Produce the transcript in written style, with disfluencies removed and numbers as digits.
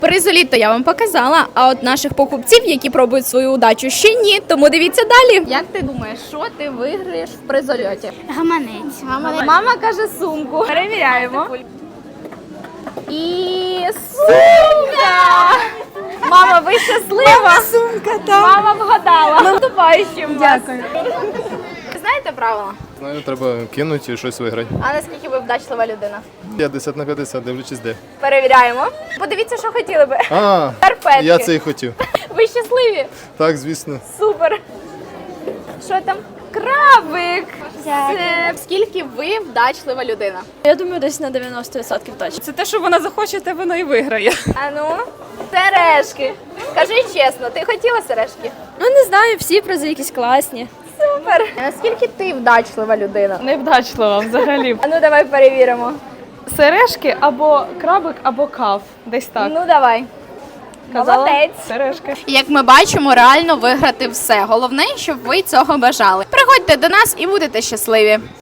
Призоліт-то я вам показала, а от наших покупців, які пробують свою удачу, ще ні. Тому дивіться далі. Як ти думаєш, що ти виграєш в призольоті? Гаманець. Мама каже сумку. Перевіряємо. І сумка! Мама, ви щаслива? Сумка, так. Мама вгадала. Наступаючим вас. Дякую. Ви знаєте правила? Знаю, треба кинути і щось виграти. А наскільки ви вдачлива людина? 50 на 50, дивлячись де. Перевіряємо. Подивіться, що хотіли би. А, Карпетки. я це і хотів. Ви щасливі? Так, звісно. Супер. Що там? Крабик. Дякую. Це скільки ви вдачлива людина? Я думаю, десь на 90% точно. Це те, що вона захоче, те вона і виграє. А ну, сережки. Скажи чесно, ти хотіла сережки? Ну не знаю, всі призи якісь класні. Супер. Наскільки ти вдачлива людина? Невдачлива взагалі. А ну давай перевіримо. Сережки або крабик, або кав. Десь так. Ну давай. Молодець. Сережки. Як ми бачимо, реально виграти все. Головне, щоб ви цього бажали. Приходьте до нас і будете щасливі.